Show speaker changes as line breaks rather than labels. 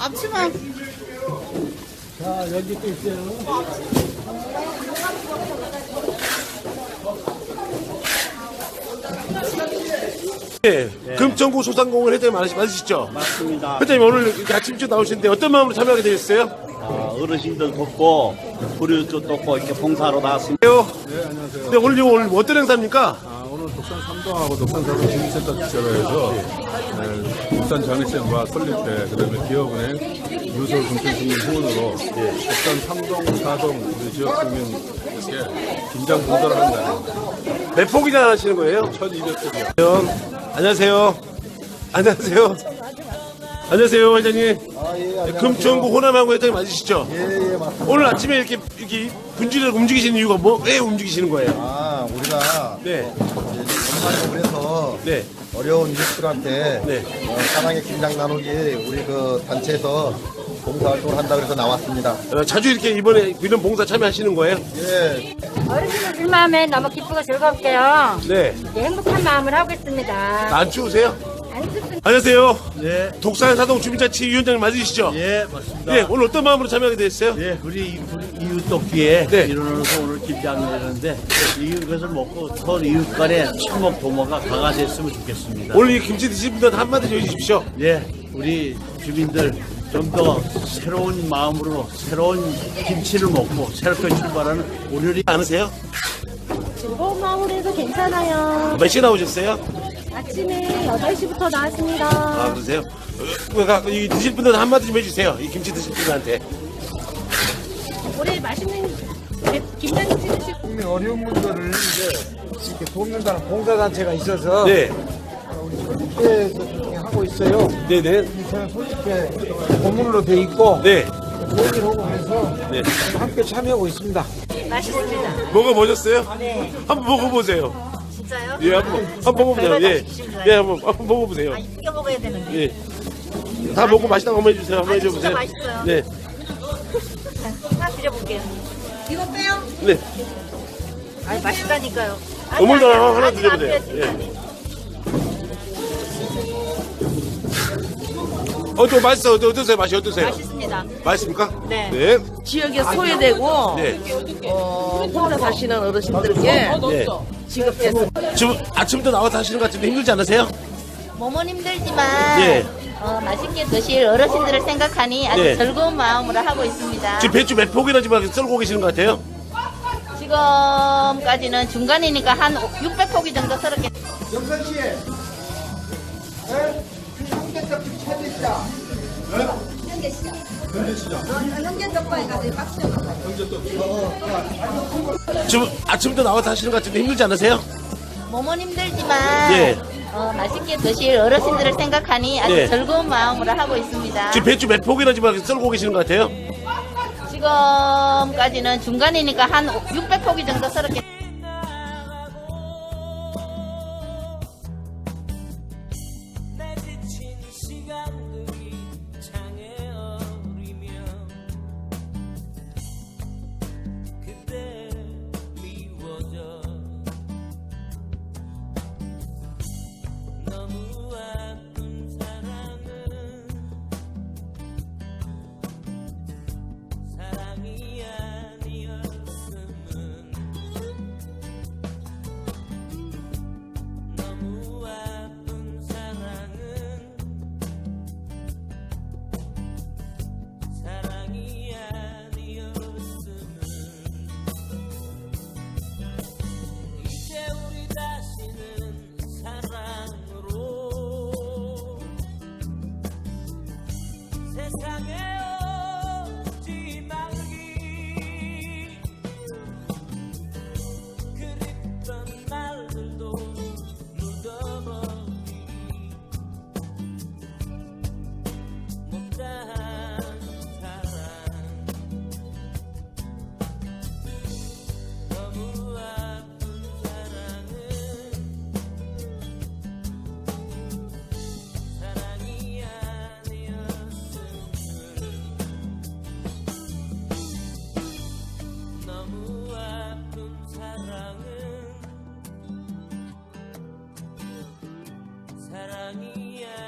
앞치마.
자, 여기 또 있어요.
네. 금천구 소상공인 회장님 맞으시죠?
맞습니다.
회장님 오늘 이렇게 아침 일찍 나오시는데 어떤 마음으로 참여하게 되셨어요?
어르신들 돕고 불효도 돕고 이렇게 봉사하러 나왔습니다.
네, 안녕하세요.
네, 오늘 어떤 행사입니까?
오늘 독산 삼동하고 독산 사동 주민센터 주최로 해서 독산 장애시장과 설립회, 그다음에 기업은행 유서 금천시민 후원으로 독산 삼동, 사동 우리 지역 주민에게 김장 봉사를 하는 날입니다.
몇 폭이나 하시는 거예요?
1200폭이요.
안녕하세요. 안녕하세요. 안녕하세요, 회장님. 금천구 호남항구 회장님 맞으시죠?
예, 맞습니다.
오늘 아침에 이렇게 분지를 움직이시는 이유가 왜 움직이시는 거예요?
우리가
네.
건강을 해서
네.
어려운 이웃들한테
네.
사랑의 김장 나누기 우리 그 단체에서 봉사활동을 한다 그래서 나왔습니다.
자주 이렇게 이번에 이런 봉사 참여하시는 거예요?
예,
어르신들 마음에 너무 기쁘고 즐겁게요.
네.
행복한 마음을 하고 있습니다.
안 추우세요?
안 춥습니다.
안녕하세요.
네,
독산 사동 주민자치위원장님 맞으시죠?
예, 맞습니다.
네, 오늘 어떤 마음으로 참여하게 되셨어요?
예, 우리 이웃 돕기에
네.
일어나서 오늘 김장을 했는데 이것을 먹고 서로 이웃 간의 친목 도모가 강화됐으면 좋겠습니다.
오늘 이 김치 드신 분들한테 한마디 해주십시오.
예, 우리 주민들 좀 더 새로운 마음으로 새로운 김치를 먹고 새롭게 출발하는 오늘이
않으세요?
즐거운 마음으로 해도 괜찮아요.
몇 시에 나오셨어요?
아침에 8시부터 나왔습니다.
아, 그러세요? 이 드실 분들한테 한마디 좀 해주세요. 이 김치 드실 분들한테.
올해 맛있는 김장김치 드시고
국민 어려운 분들을 이제 이렇게 돕는다는 봉사단체가 있어서
네.
우리 소집회에서 하고 있어요.
네네.
저는 소집회 고문으로 돼 있고
네.
모임을 하고 해서
네.
함께 참여하고 있습니다.
맛있습니다.
먹어보셨어요?
네.
한번 먹어보세요.
진짜요?
예, 한번 먹어보세요. 예. 예, 한번 먹어보세요.
익혀 먹어야 되는데.
예. 다 먹고 맛있다고 한번 해주세요. 한번 해줘보세요.
진짜 맛있어요.
네.
하나 드려볼게요. 이거 빼요?
네.
아니 맛있다니까요.
어물도 하나 드려보세요. 예. 좀 맛있어. 어떠세요? 맛이 어떠세요?
맛있습니다.
맛있습니까?
네.
네.
지역에 소외되고
네.
혼자 사시는 어르신들께
네.
지급해서
지금 아침부터 나와서 하시는 것 같은데 힘들지 않으세요?
몸은 힘들지만
예.
맛있게 드실 어르신들을 생각하니 아주
네.
즐거운 마음으로 하고 있습니다.
지금 배추 몇 폭이나 지금 썰고 계시는 것 같아요?
지금까지는 중간이니까 한 600포기 정도 썰었겠
영선 씨, 홍대떡 좀 찾으시죠.
지금 아침부터 나와서 하시는 것 같은데 힘들지 않으세요?
몸은 힘들지만
예.
맛있게 드실 어르신들을 생각하니 아주
네.
즐거운 마음으로 하고 있습니다.
지금 배추 몇 폭이나 지금 썰고 계시는 것 같아요?
지금까지는 중간이니까 한 600포기 정도 썰었겠
사랑이